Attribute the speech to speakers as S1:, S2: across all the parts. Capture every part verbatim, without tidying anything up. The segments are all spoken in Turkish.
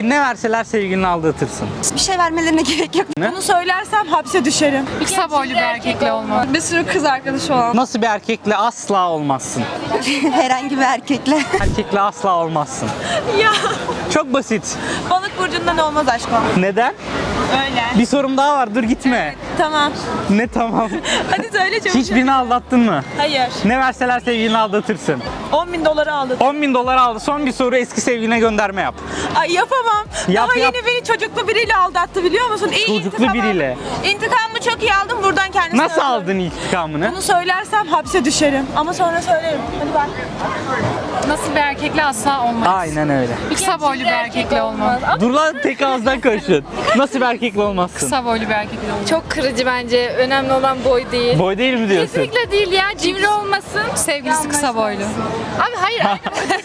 S1: Ne verseler sevgilini aldatırsın.
S2: Bir şey vermelerine gerek yok.
S1: Ne?
S2: Bunu söylersem hapse düşerim.
S3: Kısa boylu bir erkekle olmam.
S2: Bir sürü kız arkadaşı olan.
S1: Nasıl bir erkekle asla olmazsın?
S2: Herhangi bir erkekle.
S1: Erkekle asla olmazsın.
S2: Ya
S1: Çok basit.
S2: balık burcundan olmaz aşkım.
S1: Neden?
S2: Öyle.
S1: Bir sorum daha var, dur gitme.
S2: Tamam.
S1: Ne tamam?
S2: Hadi söyle çabuk.
S1: Hiçbirini aldattın mı?
S2: Hayır.
S1: Ne verseler sevgilini aldatırsın.
S2: on bin doları aldım.
S1: on bin dolar aldı. Son bir soru, eski sevgiline gönderme yap.
S2: Ay yapamam.
S1: Yap,
S2: Daha
S1: yap.
S2: yeni beni çocuklu biriyle aldattı biliyor musun? İyi
S1: Çocuklu
S2: intikamı-
S1: biriyle.
S2: İntikamımı çok iyi aldım buradan kendisine.
S1: Nasıl aldın intikamını?
S2: Bunu söylersem hapse düşerim. Ama sonra söylerim. Hadi bak.
S3: Nasıl bir erkekle asla olmaz.
S1: Aynen öyle.
S3: Kısa boylu bir erkekle olmam.
S1: Dur lan, tek ağızdan konuşun. Nasıl bir erkekle olmazsın?
S3: Kısa boylu bir erkekle olmam.
S4: Çok kırıcı bence. Önemli olan boy değil.
S1: Boy değil mi diyorsun?
S4: Kesinlikle değil ya. Cimri olmasın.
S3: Sevgilisi kısa boylu.
S4: Abi hayır aynı boyda.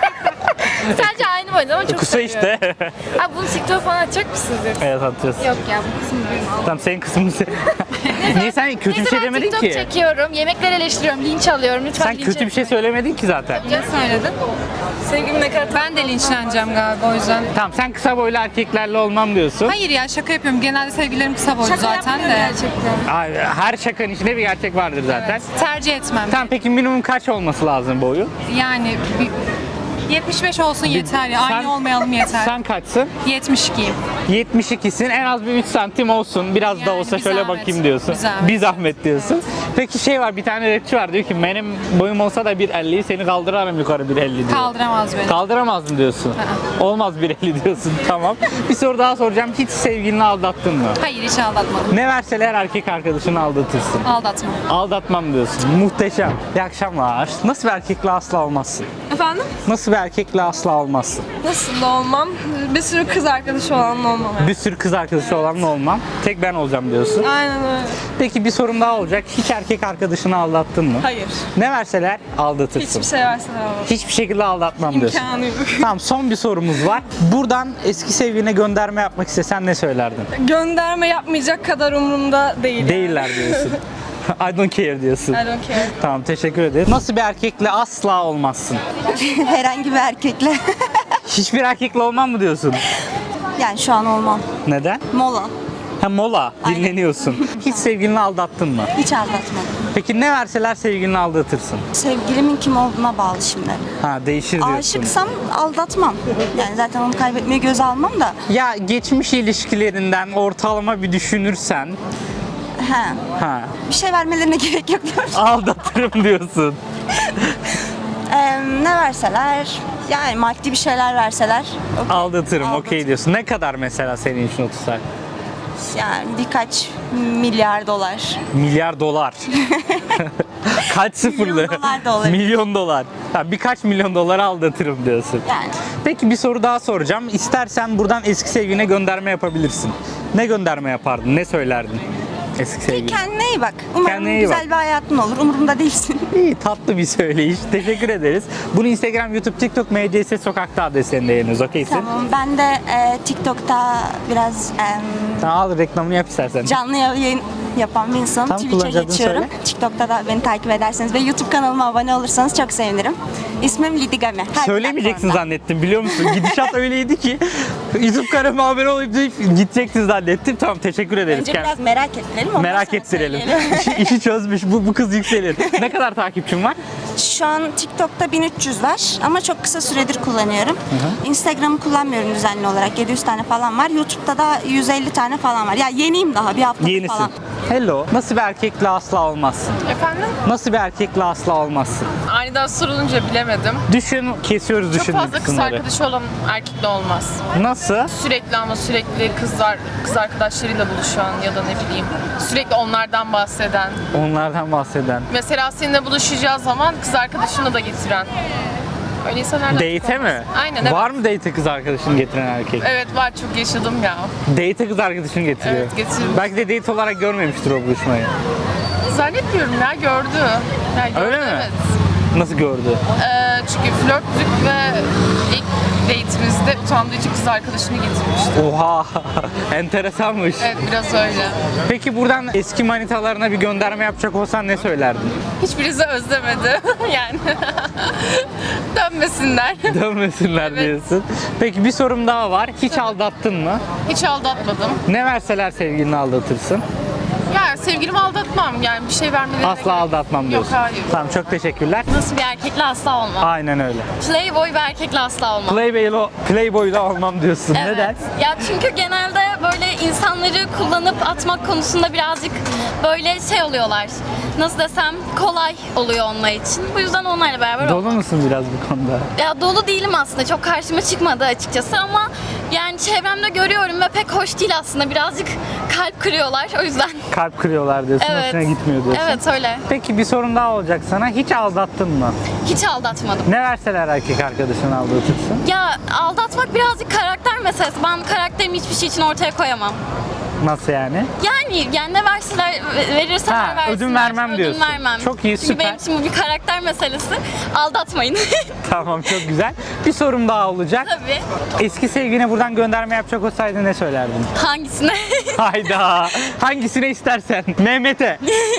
S4: Sadece aynı boyda ama çok
S1: Kısa
S4: seviyorum.
S1: işte.
S4: Abi bunu TikTok falan atacak mısınız?
S1: Evet, atacağız.
S4: Yok ya bu kısmı benim.
S1: Tamam, senin kısmını sen... Niye sen kötü bir
S4: Neyse
S1: şey
S4: ben
S1: demedin
S4: TikTok
S1: ki?
S4: çekiyorum. Yemekler eleştiriyorum. Linç alıyorum. Lütfen
S1: Sen
S4: linç
S1: kötü bir şey
S4: etmeyin.
S1: söylemedin ki zaten.
S3: Ne söyledin?
S4: Sevgilim ne kadar
S3: Ben de linçleneceğim galiba o yüzden.
S1: Tamam, sen kısa boylu erkeklerle olmam diyorsun.
S3: Hayır ya, şaka yapıyorum. Genelde sevgililerim kısa boylu zaten de.
S4: gerçekten.
S1: Abi, her şakanın içinde bir gerçek vardır zaten.
S3: Tercih etmem.
S1: Tamam, peki minimum kaç olması lazım boyu?
S3: Yani bir, yetmiş beş olsun yeter ya.
S1: Sen-
S3: Aynı olmayalım yeter.
S1: Sen kaçsın?
S3: yetmiş ikiyim.
S1: yetmiş ikisin, en az bir üç santim olsun. Biraz da
S3: Yani
S1: olsa
S3: bir
S1: şöyle
S3: zahmet,
S1: bakayım diyorsun.
S3: bir zahmet.
S1: Bir zahmet diyorsun. Peki şey var, bir tane rapçi var, diyor ki benim boyum olsa da bir elliyi seni kaldırırım yukarı bir elli diyor.
S3: Kaldıramaz beni.
S1: Kaldıramazdım diyorsun. Olmaz bir elli diyorsun, tamam. Bir soru daha soracağım. Hiç sevgilini aldattın mı?
S3: Hayır, hiç aldatmadım.
S1: Ne verseler erkek arkadaşını aldatırsın.
S3: Aldatmam.
S1: Aldatmam diyorsun. Muhteşem. İyi akşamlar. Nasıl bir erkekle asla olmazsın?
S2: Efendim?
S1: Nasıl bir erkekle asla olmazsın?
S2: Nasıl da olmam? Bir sürü kız arkadaşı olan olmam.
S1: Bir sürü kız arkadaşı olanla olmam. Tek ben olacağım diyorsun.
S2: Aynen öyle.
S1: Peki bir sorum daha olacak. Hiç erkek arkadaşını aldattın mı?
S2: Hayır.
S1: Ne verseler aldatırsın.
S2: Hiçbir şey versen alamam.
S1: Hiçbir şekilde aldatmam diyorsun.
S2: İmkanı yok.
S1: Tamam, son bir sorumuz var. Buradan eski sevgiline gönderme yapmak istesen ne söylerdin?
S2: Gönderme yapmayacak kadar umurumda değil.
S1: Değiller diyorsun. I don't care diyorsun.
S2: I don't care.
S1: Tamam, teşekkür ederim. Nasıl bir erkekle asla olmazsın?
S2: Herhangi bir erkekle.
S1: Hiçbir erkekle olmam mı diyorsun?
S2: Yani şu an olmam.
S1: Neden?
S2: Mola.
S1: Ha, mola,
S2: Aynen.
S1: dinleniyorsun. Hiç sevgilini aldattın mı?
S2: Hiç aldatmadım.
S1: Peki ne verseler sevgilini aldatırsın?
S2: Sevgilimin kim olduğuna bağlı şimdi.
S1: Ha, değişir diyorsun.
S2: Aşıksam aldatmam. Yani zaten onu kaybetmeyi göze almam da.
S1: Ya geçmiş ilişkilerinden ortalama bir düşünürsen,
S2: He.
S1: ha,
S2: Bir şey vermelerine gerek yok.
S1: aldatırım diyorsun.
S2: Ee, ne verseler, yani maddi bir şeyler verseler. okey.
S1: Aldatırım, okey
S2: Aldatırım.
S1: diyorsun. Ne kadar mesela senin için otursak?
S2: Yani birkaç milyar dolar.
S1: Milyar dolar. Kaç sıfırlı?
S2: Milyon dolar da olabilir.
S1: Milyon dolar. Ha, birkaç milyon dolara aldatırım diyorsun.
S2: Yani
S1: Peki bir soru daha soracağım. İstersen buradan eski sevgiline gönderme yapabilirsin. Ne gönderme yapardın? Ne söylerdin? Eski sevgiline.
S2: kendine iyi bak. Umarım
S1: Kendine iyi
S2: güzel
S1: bak.
S2: bir hayatın olur. Umurumda değilsin.
S1: İyi, tatlı bir söyleyiş. Teşekkür ederiz. Bunu Instagram, YouTube, TikTok, M C S Sokak'ta adreslerinde yayınlıyoruz. Okeysin?
S2: Tamam. Ben de e, TikTok'ta biraz e,
S1: Tamam, al reklamını yap istersen.
S2: canlı yayın yapan bir insanım.
S1: Tam
S2: Twitch'e
S1: kullanıcı adını
S2: geçiyorum.
S1: söyle.
S2: TikTok'ta da beni takip ederseniz ve YouTube kanalıma abone olursanız çok sevinirim. İsmim Lidi Game. Her
S1: Söylemeyeceksin
S2: platformda.
S1: zannettim, biliyor musun? Gidişat öyleydi ki YouTube kanalıma abone olup deyip gideceksin zannettim. Tamam, teşekkür ederiz.
S2: Önce
S1: Kend-
S2: biraz merak ettirelim. ondan
S1: Merak
S2: sonra
S1: ettirelim.
S2: söyleyelim.
S1: işi, işi çözmüş. Bu, bu kız yükselir. Ne kadar takipçin var?
S2: Şu an TikTok'ta bin üç yüz var ama çok kısa süredir kullanıyorum. Instagram'ı kullanmıyorum düzenli olarak. yedi yüz tane falan var. YouTube'da da yüz elli tane falan var. Ya yeniyim daha, bir hafta
S1: Yenisin.
S2: falan.
S1: Hello. Nasıl bir erkekle asla olmazsın?
S5: Efendim?
S1: Nasıl bir erkekle asla olmazsın?
S5: Aniden sorulunca bilemedim.
S1: Düşün, kesiyoruz
S5: Çok
S1: düşündüğün
S5: fazla kız
S1: kısımları.
S5: arkadaşı olan erkekle olmaz.
S1: Nasıl?
S5: Sürekli ama sürekli kızlar, kız arkadaşlarıyla buluşan ya da ne bileyim sürekli onlardan bahseden.
S1: Onlardan bahseden.
S5: Mesela seninle buluşacağı zaman kız arkadaşını da getiren. Öyle insanlardan çok
S1: Date'e
S5: olmaz.
S1: mi?
S5: Aynen, evet.
S1: Var mı date'e kız arkadaşını getiren erkek?
S5: Evet var, çok yaşadım ya.
S1: Date'e kız arkadaşını getiriyor.
S5: Evet, getirmiş.
S1: Belki de date olarak görmemiştir o buluşmayı.
S5: Zannetmiyorum ya, gördü. Ya, gördü,
S1: Öyle mi?
S5: Evet.
S1: Nasıl gördü?
S5: Ee, çünkü flörttük ve ilk date'imizde utandığı için kız arkadaşını getirmişti.
S1: Oha! Enteresanmış.
S5: Evet, biraz öyle.
S1: Peki buradan eski manitalarına bir gönderme yapacak olsan ne söylerdin?
S5: Hiçbirisi özlemedi yani. Dönmesinler.
S1: Dönmesinler
S5: Evet.
S1: diyorsun. Peki bir sorum daha var. Hiç aldattın mı?
S5: Hiç aldatmadım.
S1: Ne verseler sevgilini aldatırsın?
S5: Ya sevgilimi aldatmam yani bir şey vermelerine
S1: Asla
S5: gerek-
S1: aldatmam
S5: Yok
S1: diyorsun.
S5: hayır.
S1: Tamam, çok teşekkürler.
S4: Nasıl bir erkekle asla olmam.
S1: Aynen öyle.
S4: Playboy bir erkekle asla olmam.
S1: Playboy'la Playboy'la olmam diyorsun.
S4: Evet.
S1: Neden?
S4: Ya çünkü genelde böyle insanları kullanıp atmak konusunda birazcık böyle şey oluyorlar. Nasıl desem kolay oluyor onlar için. Bu yüzden onlarla beraber
S1: Dolu
S4: olmam.
S1: musun biraz bu konuda?
S4: Ya dolu değilim aslında. Çok karşıma çıkmadı açıkçası ama yani çevremde görüyorum ve pek hoş değil aslında. Birazcık kalp kırıyorlar o yüzden.
S1: Kalp kırıyorlar diyorsun,
S4: Evet.
S1: hoşuna gitmiyor diyorsun.
S4: Evet öyle.
S1: Peki bir sorun daha olacak sana. Hiç aldattın mı?
S4: Hiç aldatmadım.
S1: Ne verseler erkek arkadaşını aldatırsın?
S4: Ya aldatmak birazcık karakter meselesi. Ben karakterimi hiçbir şey için ortaya koyamam.
S1: Nasıl yani?
S4: Yani yani ne verseler verirseler
S1: Ha,
S4: versinler.
S1: ödün vermem
S4: ödün
S1: diyorsun.
S4: vermem.
S1: Çok iyi,
S4: Çünkü
S1: süper.
S4: benim için bu bir karakter meselesi. Aldatmayın.
S1: Tamam, çok güzel. Bir sorum daha olacak.
S4: Tabii.
S1: Eski sevgiline buradan gönderme yapacak olsaydın ne söylerdin?
S4: Hangisine?
S1: Hayda. Hangisine istersen. Mehmet'e.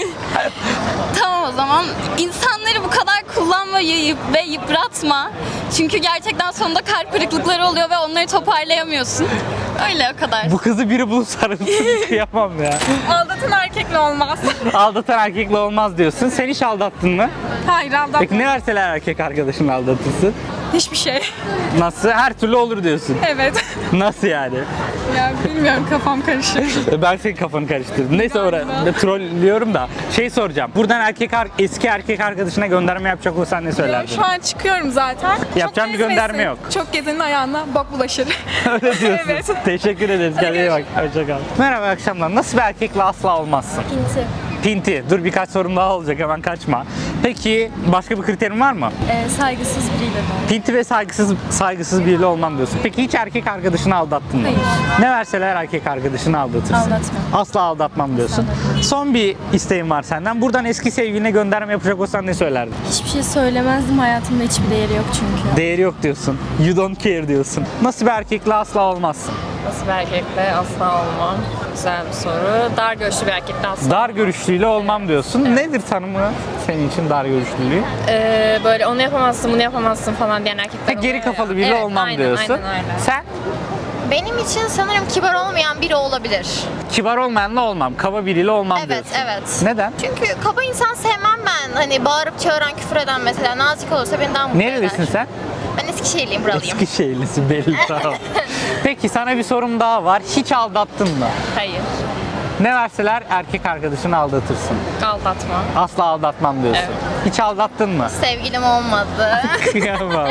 S4: Tamam o zaman. İnsanları bu kadar kullanma yayıp ve yıpratma. Çünkü gerçekten sonunda kalp kırıklıkları oluyor ve onları toparlayamıyorsun. Öyle o kadar.
S1: Bu kızı biri bulup sarılsın. Kıyamam ya.
S3: Aldatan erkekle olmaz.
S1: Aldatan erkekle olmaz diyorsun. Sen hiç aldattın mı?
S3: Hayır aldatmam.
S1: Peki ne verseler erkek arkadaşını aldatırsın?
S3: Hiçbir şey.
S1: Nasıl? Her türlü olur diyorsun.
S3: Evet.
S1: Nasıl yani?
S3: Ya bilmiyorum kafam karışık.
S1: Ben senin kafanı karıştırdım. Neyse orada trollüyorum da. Şey soracağım. Buradan erkek ar- eski erkek arkadaşına gönderme yapacak olsan ne söylerdin?
S3: Şu an çıkıyorum zaten.
S1: Yapacağım
S3: Çok
S1: bir gönderme
S3: gezmesin.
S1: yok.
S3: Çok gezenin ayağına bok bulaşır.
S1: Öyle diyorsun.
S3: Evet.
S1: Teşekkür ederiz. Kendine iyi bak. Hoşça kal. Merhaba, akşamlar. Nasıl bir erkekle asla olmazsın?
S4: Pinti.
S1: Pinti. Dur, birkaç sorum daha olacak, hemen kaçma. Peki başka bir kriterin var mı?
S4: Ee, saygısız biriyle mi?
S1: Pinti ve saygısız saygısız biriyle olmam diyorsun. Peki hiç erkek arkadaşını aldattın mı?
S4: Hayır.
S1: Ne verseler erkek arkadaşını aldatırsın?
S4: Aldatmam.
S1: Asla aldatmam diyorsun. Son bir isteğim var senden. Buradan eski sevgiline gönderme yapacak olsan ne söylerdin?
S4: Hiçbir şey söylemezdim. Hayatımda hiçbir değeri yok çünkü.
S1: Değeri yok diyorsun. You don't care diyorsun. Nasıl bir erkekle asla olmazsın?
S6: Nasıl bir erkekle asla olmam? Güzel bir soru. Dar görüşlü bir erkekle asla.
S1: Dar görüşlüyle olmam diyorsun. Nedir tanımı senin için dar görüşlülüğü?
S6: Ee, böyle onu yapamazsın, bunu yapamazsın falan diyen erkekler
S1: Ha, geri
S6: oluyor ya.
S1: kafalı biri
S6: Evet,
S1: olmam
S6: aynen,
S1: diyorsun.
S6: Aynen öyle.
S1: Sen?
S7: Benim için sanırım kibar olmayan biri olabilir.
S1: Kibar olmayanla olmam, kaba biriyle olmam
S7: Evet,
S1: diyorsun.
S7: evet.
S1: Neden?
S7: Çünkü kaba insan sevmem ben. Hani bağırıp çağıran, küfür eden mesela nazik olursa beni daha mutlu
S1: Nerelisin
S7: eder.
S1: sen?
S7: Ben Eskişehirliyim, buralıyım.
S1: Eskişehirlisin belli, tamam. Peki sana bir sorum daha var. Hiç aldattın mı?
S6: Hayır.
S1: Ne verseler erkek arkadaşını aldatırsın.
S6: Aldatma.
S1: Asla aldatmam diyorsun.
S6: Evet.
S1: Hiç aldattın mı?
S7: Sevgilim olmadı.
S1: Kıyamam.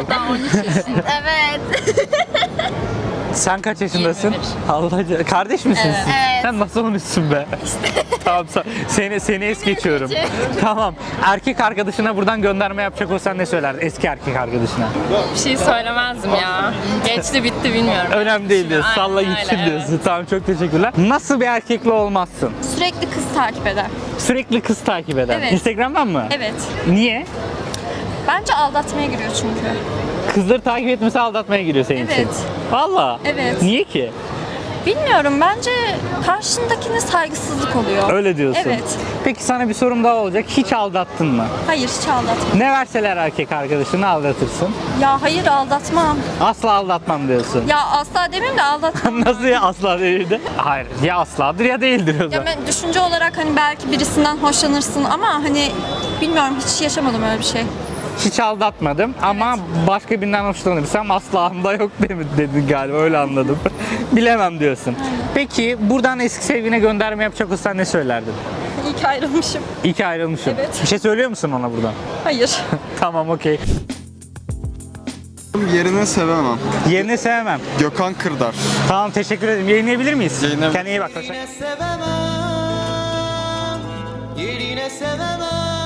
S7: Evet.
S1: Sen kaç yaşındasın?
S6: yirmi bir.
S1: Allah ca- kardeş misin siz?
S7: Evet.
S1: Sen nasıl unutsun be? Tamam, sa- seni seni es geçiyorum. Tamam. Erkek arkadaşına buradan gönderme yapacak olsan ne söylerdin? Eski erkek arkadaşına.
S6: Bir şey söylemezdim ya. Geçti bitti bilmiyorum.
S1: Önemli değil diyorsun.
S6: Aynen
S1: Salla
S6: öyle,
S1: gitsin
S6: evet.
S1: diyorsun. Tamam, çok teşekkürler. Nasıl bir erkekle olmazsın?
S2: Sürekli kız takip eder.
S1: Sürekli kız takip eden.
S2: Evet.
S1: Instagram'dan mı?
S2: Evet.
S1: Niye?
S2: Bence aldatmaya giriyor çünkü.
S1: Kızları takip etmesi aldatmaya giriyor senin için.
S2: Evet.
S1: Valla.
S2: Evet.
S1: Niye ki?
S2: Bilmiyorum, bence karşındakine saygısızlık oluyor.
S1: Öyle diyorsun.
S2: Evet.
S1: Peki sana bir sorum daha olacak. Hiç aldattın mı?
S2: Hayır, hiç aldatmam.
S1: Ne verseler erkek arkadaşını aldatırsın.
S2: Ya hayır, aldatmam.
S1: Asla aldatmam diyorsun.
S2: Ya asla demeyeyim de aldatmam.
S1: Nasıl ya asla değildi? Hayır, ya asladır ya değildir o
S2: Ya
S1: zaman.
S2: ben düşünce olarak hani belki birisinden hoşlanırsın ama hani bilmiyorum, hiç yaşamadım öyle bir şey.
S1: Hiç aldatmadım ama başka birinden hoşlanırsam aslağımda yok demi- dedin galiba, öyle anladım. Bilemem diyorsun. Peki buradan eski sevgiline gönderme yapacak olsan ne söylerdin?
S2: İyi ki ayrılmışım.
S1: İyi ki ayrılmışım.
S2: Evet.
S1: Bir şey söylüyor musun ona buradan?
S2: Hayır.
S1: Tamam, okey.
S8: Yerini sevemem.
S1: Yerini sevmem.
S8: Gökhan Kırdar.
S1: Tamam, teşekkür ederim. Yayınlayabilir miyiz?
S8: Yayınlayabiliriz.
S1: Kendine iyi bak. Hoşça kal.
S9: Yerine sevemem.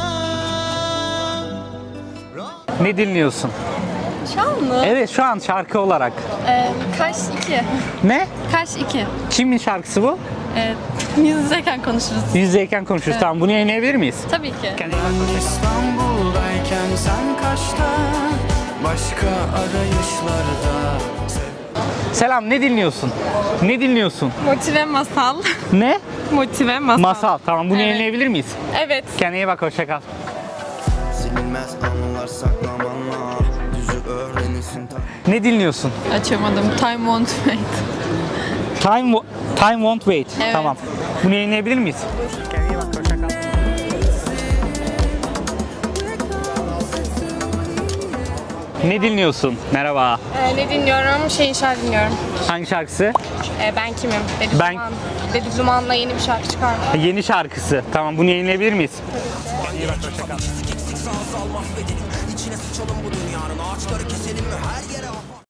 S1: Ne dinliyorsun?
S4: Şu an mı?
S1: Evet, şu an şarkı olarak.
S4: Ee, Kaş iki.
S1: Ne?
S4: Kaş iki.
S1: Kimin şarkısı bu?
S4: Ee, yüz yüzeyken konuşuruz.
S1: Yüz yüzeyken konuşuruz. Tamam, bunu yayınlayabilir miyiz?
S4: Tabii ki.
S1: Kendine iyi bak. Hoşça kal.
S9: İstanbul'dayken sen kaçta? Başka arayışlarda.
S1: Selam, ne dinliyorsun? Ne dinliyorsun?
S3: Motive masal.
S1: Ne?
S3: Motive masal.
S1: Masal. Tamam, bunu
S3: Evet.
S1: yayınlayabilir miyiz?
S3: Evet.
S1: Kendine iyi bak, hoşça kal.
S9: Silinmez Bitmez anılar saklamanla. Düzü öğrenirsin ta-
S1: Ne dinliyorsun?
S3: Açamadım. Time won't wait.
S1: Time, wo- time won't wait.
S3: Evet.
S1: Tamam. Bunu yayınlayabilir miyiz? Ne dinliyorsun? Merhaba.
S6: Ee, ne dinliyorum? Şeyin şarkı dinliyorum.
S1: Hangi şarkısı?
S6: Ee, ben kimim? Dedi
S1: Ben-
S6: Duman. Dedi Duman'la yeni bir şarkı çıkardı.
S1: Ha, Yeni şarkısı. Tamam, bunu yayınlayabilir miyiz?